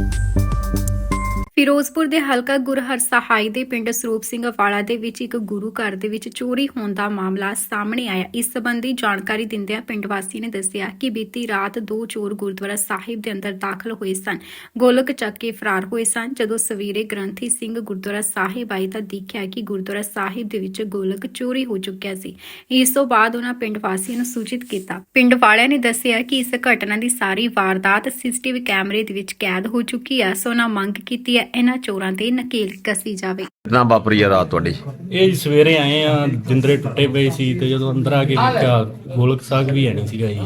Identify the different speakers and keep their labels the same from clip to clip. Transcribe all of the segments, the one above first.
Speaker 1: ਫਿਰੋਜ਼ਪੁਰ ਦੇ ਹਲਕਾ ਗੁਰਹਰ ਸਹਾਈ ਦੇ ਪਿੰਡ ਸਰੂਪ ਸਿੰਘ ਵਾਲਾ ਦੇ ਵਿੱਚ ਇੱਕ ਗੁਰੂ ਘਰ ਦੇ ਵਿੱਚ ਚੋਰੀ ਹੋਣ ਦਾ ਮਾਮਲਾ ਸਾਹਮਣੇ ਆਇਆ। ਇਸ ਸੰਬੰਧੀ ਜਾਣਕਾਰੀ ਦਿੰਦਿਆਂ ਪਿੰਡ ਵਾਸੀ ਨੇ ਦੱਸਿਆ ਕਿ ਬੀਤੀ ਰਾਤ ਦੋ ਚੋਰ ਗੁਰਦੁਆਰਾ ਸਾਹਿਬ ਦੇ ਅੰਦਰ ਦਾਖਲ ਹੋਏ ਸਨ। ਗੋਲਕ ਚੱਕ ਕੇ ਫਰਾਰ ਹੋਏ ਸਨ। ਜਦੋਂ ਸਵੇਰੇ ਗ੍ਰੰਥੀ ਸਿੰਘ ਗੁਰਦੁਆਰਾ ਸਾਹਿਬ ਆਏ ਤਾਂ ਦੇਖਿਆ ਕਿ ਗੁਰਦੁਆਰਾ ਸਾਹਿਬ ਦੇ ਵਿੱਚ ਗੋਲਕ ਚੋਰੀ ਹੋ ਚੁੱਕਿਆ ਸੀ। ਇਸ ਤੋਂ ਬਾਅਦ ਉਹਨਾਂ ਪਿੰਡ ਵਾਸੀਆਂ ਨੂੰ ਸੂਚਿਤ ਕੀਤਾ। ਪਿੰਡ ਵਾਲਿਆਂ ਨੇ ਦੱਸਿਆ ਕਿ ਇਸ ਘਟਨਾ ਦੀ ਸਾਰੀ ਵਾਰਦਾਤ ਸੀਸੀਟੀਵੀ ਕੈਮਰੇ ਦੇ ਵਿੱਚ ਕੈਦ ਹੋ ਚੁੱਕੀ ਹੈ। ਸੋ ਉਹਨਾਂ ਮੰਗ ਕੀਤੀ ਹੈ ਇਹਨਾਂ ਚੋਰਾਂ ਤੇ ਨਕੇਲ ਕੱਸੀ ਜਾਵੇ।
Speaker 2: ਕਿੰਨਾ ਵਾਪਰੀ ਆ ਰਾਤ ਤੁਹਾਡੀ?
Speaker 3: ਇਹ ਜੀ ਸਵੇਰੇ ਆਏ ਆ, ਜਿੰਦਰੇ ਟੁੱਟੇ ਪਏ ਸੀ ਤੇ ਜਦੋਂ ਅੰਦਰ ਆ ਕੇ ਦੇਖਿਆ ਗੋਲਕ ਸਾਗ ਵੀ ਹੈ ਨਹੀਂ ਸੀਗਾ ਜੀ।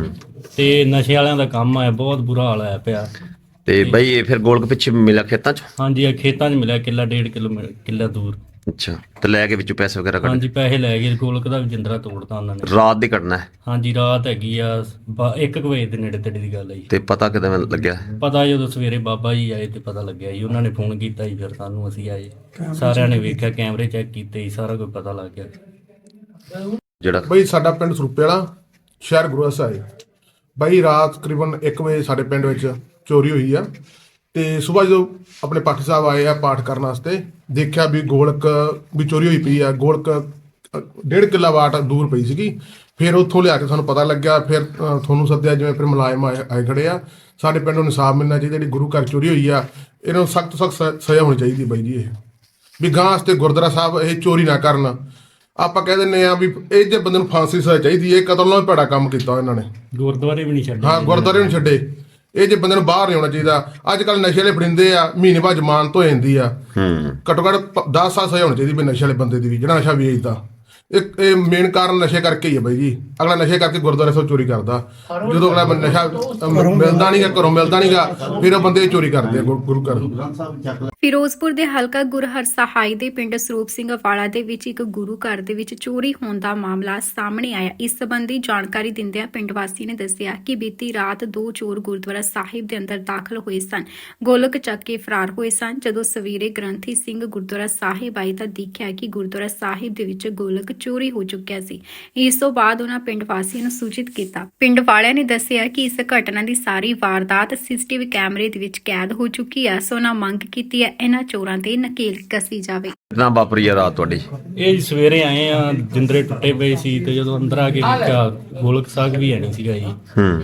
Speaker 3: ਤੇ ਨਸ਼ੇ ਵਾਲਿਆਂ ਦਾ ਕੰਮ ਆ, ਬਹੁਤ ਬੁਰਾ ਹਾਲ ਆਇਆ ਪਿਆ।
Speaker 2: ਤੇ ਬਈ ਇਹ ਫਿਰ ਗੋਲਕ ਪਿੱਛੇ ਮਿਲਿਆ ਖੇਤਾਂ 'ਚ?
Speaker 3: ਹਾਂਜੀ, ਇਹ ਖੇਤਾਂ 'ਚ ਮਿਲਿਆ, ਕਿੱਲਾ 1.5 ਕਿੱਲਾ ਦੂਰ।
Speaker 2: ਅੱਛਾ, ਤੇ ਲੈ ਕੇ ਵਿੱਚੋਂ ਪੈਸੇ ਵਗੈਰਾ ਕੱਢ?
Speaker 3: ਹਾਂਜੀ, ਪੈਸੇ ਲੈ ਗਏ, ਗੋਲਕ ਦਾ ਵੀ ਜਿੰਦਰਾ ਤੋੜਤਾ ਉਹਨਾਂ ਨੇ।
Speaker 2: ਰਾਤ ਦੀ ਘਟਨਾ ਹੈ?
Speaker 3: ਹਾਂਜੀ, ਰਾਤ ਹੈਗੀ ਆ 1 ਵਜੇ ਦੇ ਨੇੜੇ ਤੇੜੇ ਦੀ ਗੱਲ ਹੈ ਜੀ।
Speaker 2: ਤੇ ਪਤਾ ਕਿਦਾਂ ਲੱਗਿਆ?
Speaker 3: ਪਤਾ ਜਦੋਂ ਸਵੇਰੇ ਬਾਬਾ ਜੀ ਆਏ ਤੇ ਪਤਾ ਲੱਗਿਆ ਜੀ। ਉਹਨਾਂ ਨੇ ਫੋਨ ਕੀਤਾ ਜੀ, ਫਿਰ ਸਾਨੂੰ, ਅਸੀਂ ਆਏ, ਸਾਰਿਆਂ ਨੇ ਵੇਖਿਆ, ਕੈਮਰੇ ਚੈੱਕ ਕੀਤੇ ਜੀ, ਸਾਰਾ ਕੁਝ ਪਤਾ ਲੱਗ ਗਿਆ।
Speaker 2: ਜਿਹੜਾ
Speaker 4: ਬਈ ਸਾਡਾ ਪਿੰਡ ਸਰੂਪੇ ਵਾਲਾ, ਸ਼ਹਿਰ ਗੁਰੂ ਸਾਹਿਬ। ਬਈ ਰਾਤ ਤਕਰੀਬਨ 1 ਵਜੇ ਸਾਡੇ ਪਿੰਡ ਵਿੱਚ ਚੋਰੀ ਹੋਈ ਆ। ਤੇ ਸਵੇਰ ਜਦੋਂ ਆਪਣੇ ਪਾਠੀ ਸਾਹਿਬ ਆਏ ਆ ਪਾਠ ਕਰਨ ਵਾਸਤੇ, ਦੇਖਿਆ ਵੀ ਗੋਲਕ ਵੀ ਚੋਰੀ ਹੋਈ ਪਈ ਆ। ਗੋਲਕ 1.5 ਕਿੱਲਾ ਵਾਟ ਦੂਰ ਪਈ ਸੀਗੀ। ਫਿਰ ਉੱਥੋਂ ਲਿਆ ਕੇ ਸਾਨੂੰ ਪਤਾ ਲੱਗਿਆ। ਫਿਰ ਤੁਹਾਨੂੰ ਸੱਦਿਆ, ਜਿਵੇਂ ਫਿਰ ਮੁਲਾਜ਼ਮ ਆਏ ਖੜੇ ਆ। ਸਾਡੇ ਪਿੰਡ ਨੂੰ ਇਨਸਾਫ ਮਿਲਣਾ ਚਾਹੀਦਾ। ਜਿਹੜੀ ਗੁਰੂ ਘਰ ਚੋਰੀ ਹੋਈ ਆ, ਇਹਨਾਂ ਨੂੰ ਸਖਤ ਸਜ਼ਾ ਹੋਣੀ ਚਾਹੀਦੀ ਬਾਈ ਜੀ। ਇਹ ਵੀ ਗਾਂ ਵਾਸਤੇ ਗੁਰਦੁਆਰਾ ਸਾਹਿਬ ਇਹ ਚੋਰੀ ਨਾ ਕਰਨ। ਆਪਾਂ ਕਹਿ ਦਿੰਦੇ ਆ ਵੀ ਇਹ ਜੇ ਬੰਦੇ ਨੂੰ ਫਾਂਸੀ ਦੀ ਸਜ਼ਾ ਚਾਹੀਦੀ। ਇਹ ਕਤਲ ਨਾਲ ਭੈੜਾ ਕੰਮ ਕੀਤਾ ਇਹਨਾਂ ਨੇ।
Speaker 3: ਗੁਰਦੁਆਰੇ ਵੀ ਨਹੀਂ ਛੱਡੇ।
Speaker 4: ਹਾਂ, ਗੁਰਦੁਆਰੇ ਨੂੰ ਛੱਡੇ। ਇਹ ਜੇ ਬੰਦੇ ਨੂੰ ਬਾਹਰ ਨਹੀਂ ਆਉਣਾ ਚਾਹੀਦਾ। ਅੱਜ ਕੱਲ ਨਸ਼ੇ ਵਾਲੇ ਫੜਿੰਦੇ ਆ, ਮਹੀਨੇ ਬਾਅਦ ਜ਼ਮਾਨਤ ਹੋ ਜਾਂਦੀ ਆ। ਘੱਟੋ ਘੱਟ 10 ਸਾਲ ਸਜ਼ਾ ਹੋਣੀ ਚਾਹੀਦੀ ਵੀ ਨਸ਼ੇ ਵਾਲੇ ਬੰਦੇ ਦੀ ਵੀ, ਜਿਹੜਾ ਨਸ਼ਾ ਵੇਚਦਾ। ਇਹ ਮੇਨ ਕਾਰਨ ਨਸ਼ੇ ਕਰਕੇ ਹੀ ਆ ਬਾਈ ਜੀ। ਅਗਲਾ ਨਸ਼ੇ ਕਰਕੇ ਗੁਰਦੁਆਰੇ ਤੋਂ ਚੋਰੀ ਕਰਦਾ। ਜਦੋਂ ਅਗਲਾ ਨਸ਼ਾ ਮਿਲਦਾ ਨਹੀਂਗਾ, ਘਰੋਂ ਮਿਲਦਾ ਨਹੀਂਗਾ, ਫਿਰ ਉਹ ਬੰਦੇ ਚੋਰੀ ਕਰਦੇ ਆ ਗੁਰੂ ਘਰ।
Speaker 1: ਫਿਰੋਜ਼ਪੁਰ ਦੇ ਹਲਕਾ ਗੁਰਹਰ ਸਹਾਈ ਦੇ ਪਿੰਡ ਸਰੂਪ ਸਿੰਘ ਵਾਲਾ ਦੇ ਵਿੱਚ ਇੱਕ ਗੁਰੂ ਘਰ ਦੇ ਵਿੱਚ ਚੋਰੀ ਹੋਣ ਦਾ ਮਾਮਲਾ ਸਾਹਮਣੇ ਆਇਆ। ਇਸ ਸੰਬੰਧੀ ਜਾਣਕਾਰੀ ਦਿੰਦਿਆਂ ਪਿੰਡ ਵਾਸੀ ਨੇ ਦੱਸਿਆ ਕਿ ਬੀਤੀ ਰਾਤ ਦੋ ਚੋਰ ਗੁਰਦੁਆਰਾ ਸਾਹਿਬ ਦੇ ਅੰਦਰ ਦਾਖਲ ਹੋਏ ਸਨ। ਗੋਲਕ ਚੱਕ ਕੇ ਫਰਾਰ ਹੋਏ ਸਨ। ਜਦੋਂ ਸਵੇਰੇ ਗ੍ਰੰਥੀ ਸਿੰਘ ਗੁਰਦੁਆਰਾ ਸਾਹਿਬ ਆਏ ਤਾਂ ਦੇਖਿਆ ਕਿ ਗੁਰਦੁਆਰਾ ਸਾਹਿਬ ਦੇ ਵਿੱਚ ਗੋਲਕ ਚੋਰੀ ਹੋ ਚੁੱਕਿਆ ਸੀ। ਇਸ ਤੋਂ ਬਾਅਦ ਉਹਨਾਂ ਪਿੰਡ ਵਾਸੀਆਂ ਨੂੰ ਸੂਚਿਤ ਕੀਤਾ। ਪਿੰਡ ਵਾਲਿਆਂ ਨੇ ਦੱਸਿਆ ਕਿ ਇਸ ਘਟਨਾ ਦੀ ਸਾਰੀ ਵਾਰਦਾਤ ਸੀਸੀਟੀਵੀ ਕੈਮਰੇ ਦੇ ਵਿੱਚ ਕੈਦ ਹੋ ਚੁੱਕੀ ਹੈ। ਸੋ ਉਹਨਾਂ ਮੰਗ ਕੀਤੀ ਹੈ ਇਹਨਾਂ ਚੋਰਾਂ ਤੇ ਨਕੇਲ ਕੱਸੀ ਜਾਵੇ।
Speaker 2: ਕਿੰਨਾ ਵਾਪਰੀ ਆ ਰਾਤ ਤੁਹਾਡੀ?
Speaker 3: ਇਹ ਜੀ ਸਵੇਰੇ ਆਏ ਆ, ਜਿੰਦਰੇ ਟੁੱਟੇ ਪਏ ਸੀ ਤੇ ਜਦੋਂ ਅੰਦਰ ਆ ਕੇ ਦੇਖਿਆ ਗੋਲਕ ਸਾਗ ਵੀ ਹੈ ਨਹੀਂ ਸੀਗਾ ਜੀ।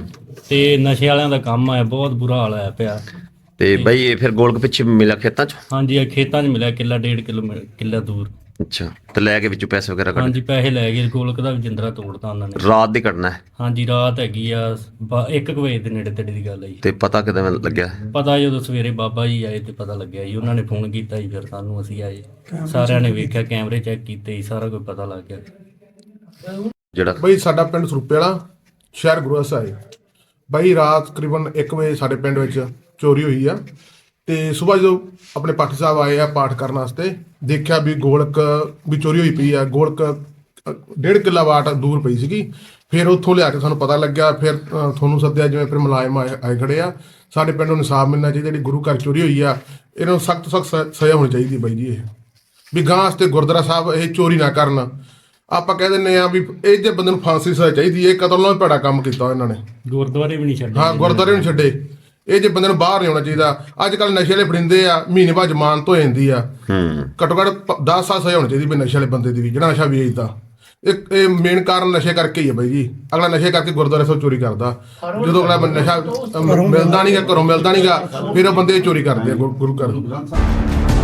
Speaker 3: ਤੇ ਨਸ਼ੇ ਵਾਲਿਆਂ ਦਾ ਕੰਮ ਆ, ਬਹੁਤ ਬੁਰਾ ਹਾਲ ਆਇਆ ਪਿਆ।
Speaker 2: ਤੇ ਬਈ ਇਹ ਫਿਰ ਗੋਲਕ ਪਿੱਛੇ ਮਿਲਿਆ ਖੇਤਾਂ 'ਚ?
Speaker 3: ਹਾਂਜੀ, ਇਹ ਖੇਤਾਂ 'ਚ ਮਿਲਿਆ, ਕਿੱਲਾ 1.5 ਕਿੱਲਾ ਦੂਰ।
Speaker 2: ਅੱਛਾ, ਤੇ ਲੈ ਕੇ ਵਿੱਚੋਂ ਪੈਸੇ ਵਗੈਰਾ ਕੱਢ?
Speaker 3: ਹਾਂਜੀ, ਪੈਸੇ ਲੈ ਗਏ, ਗੋਲਕ ਦਾ ਵੀ ਜਿੰਦਰਾ ਤੋੜਤਾ ਉਹਨਾਂ ਨੇ।
Speaker 2: ਰਾਤ ਦੀ ਘਟਨਾ ਹੈ?
Speaker 3: ਹਾਂਜੀ, ਰਾਤ ਹੈਗੀ ਆ 1 ਵਜੇ ਦੇ ਨੇੜੇ ਤੇੜੇ ਦੀ ਗੱਲ ਹੈ ਜੀ।
Speaker 2: ਤੇ ਪਤਾ ਕਿਦਾਂ ਲੱਗਿਆ?
Speaker 3: ਪਤਾ ਜਦੋਂ ਸਵੇਰੇ ਬਾਬਾ ਜੀ ਆਏ ਤੇ ਪਤਾ ਲੱਗਿਆ ਜੀ। ਉਹਨਾਂ ਨੇ ਫੋਨ ਕੀਤਾ ਜੀ, ਫਿਰ ਸਾਨੂੰ, ਅਸੀਂ ਆਏ, ਸਾਰਿਆਂ ਨੇ ਵੇਖਿਆ, ਕੈਮਰੇ ਚੈੱਕ ਕੀਤੇ ਜੀ, ਸਾਰਾ ਕੁਝ ਪਤਾ ਲੱਗ ਗਿਆ।
Speaker 4: ਜਿਹੜਾ ਬਈ ਸਾਡਾ ਪਿੰਡ ਸਰੂਪੇ ਵਾਲਾ, ਸ਼ਹਿਰ ਗੁਰੂ ਸਾਹਿਬ। ਬਈ ਰਾਤ ਤਕਰੀਬਨ 1 ਵਜੇ ਸਾਡੇ ਪਿੰਡ ਵਿੱਚ ਚੋਰੀ ਹੋਈ ਆ। ਤੇ ਸਵੇਰ ਜਦੋਂ ਆਪਣੇ ਪਾਠੀ ਸਾਹਿਬ ਆਏ ਆ ਪਾਠ ਕਰਨ ਵਾਸਤੇ, ਦੇਖਿਆ ਵੀ ਗੋਲਕ ਵੀ ਚੋਰੀ ਹੋਈ ਪਈ ਆ। ਗੋਲਕ 1.5 ਕਿੱਲਾ ਵਾਟ ਦੂਰ ਪਈ ਸੀਗੀ। ਫਿਰ ਉੱਥੋਂ ਲਿਆ ਕੇ ਸਾਨੂੰ ਪਤਾ ਲੱਗਿਆ। ਫਿਰ ਤੁਹਾਨੂੰ ਸੱਦਿਆ, ਜਿਵੇਂ ਫਿਰ ਮੁਲਾਜ਼ਮ ਆਏ ਖੜੇ ਆ। ਸਾਡੇ ਪਿੰਡ ਨੂੰ ਇਨਸਾਫ ਮਿਲਣਾ ਚਾਹੀਦਾ। ਜਿਹੜੀ ਗੁਰੂ ਘਰ ਚੋਰੀ ਹੋਈ ਆ, ਇਹਨਾਂ ਨੂੰ ਸਖਤ ਸਜ਼ਾ ਹੋਣੀ ਚਾਹੀਦੀ ਬਾਈ ਜੀ। ਇਹ ਵੀ ਗਾਂ ਵਾਸਤੇ ਗੁਰਦੁਆਰਾ ਸਾਹਿਬ ਇਹ ਚੋਰੀ ਨਾ ਕਰਨ। ਆਪਾਂ ਕਹਿ ਦਿੰਦੇ ਆ ਵੀ ਇਹ ਜੇ ਬੰਦੇ ਨੂੰ ਫਾਂਸੀ ਦੀ ਸਜ਼ਾ ਚਾਹੀਦੀ। ਇਹ ਕਤਲ ਨਾਲ ਭੈੜਾ ਕੰਮ ਕੀਤਾ ਇਹਨਾਂ ਨੇ।
Speaker 3: ਗੁਰਦੁਆਰੇ ਵੀ ਨਹੀਂ ਛੱਡੇ।
Speaker 4: ਹਾਂ, ਗੁਰਦੁਆਰੇ ਨੂੰ ਛੱਡੇ। ਇਹ ਜੇ ਬੰਦੇ ਨੂੰ ਬਾਹਰ ਨਹੀਂ ਆਉਣਾ ਚਾਹੀਦਾ। ਅੱਜ ਕੱਲ ਨਸ਼ੇ ਵਾਲੇ ਫੜਿੰਦੇ ਆ, ਮਹੀਨੇ ਬਾਅਦ ਜ਼ਮਾਨਤ ਹੋ ਜਾਂਦੀ ਆ। ਘੱਟੋ ਘੱਟ 10 ਸਾਲ ਸਜ਼ਾ ਹੋਣੀ ਚਾਹੀਦੀ ਵੀ ਨਸ਼ੇ ਵਾਲੇ ਬੰਦੇ ਦੀ ਵੀ, ਜਿਹੜਾ ਨਸ਼ਾ ਵੇਚਦਾ। ਇਹ ਮੇਨ ਕਾਰਨ ਨਸ਼ੇ ਕਰਕੇ ਹੀ ਆ ਬਾਈ ਜੀ। ਅਗਲਾ ਨਸ਼ੇ ਕਰਕੇ ਗੁਰਦੁਆਰੇ ਤੋਂ ਚੋਰੀ ਕਰਦਾ। ਜਦੋਂ ਅਗਲਾ ਨਸ਼ਾ ਮਿਲਦਾ ਨਹੀਂਗਾ, ਘਰੋਂ ਮਿਲਦਾ ਨਹੀਂਗਾ, ਫਿਰ ਉਹ ਬੰਦੇ ਚੋਰੀ ਕਰਦੇ ਆ ਗੁਰੂ ਘਰ।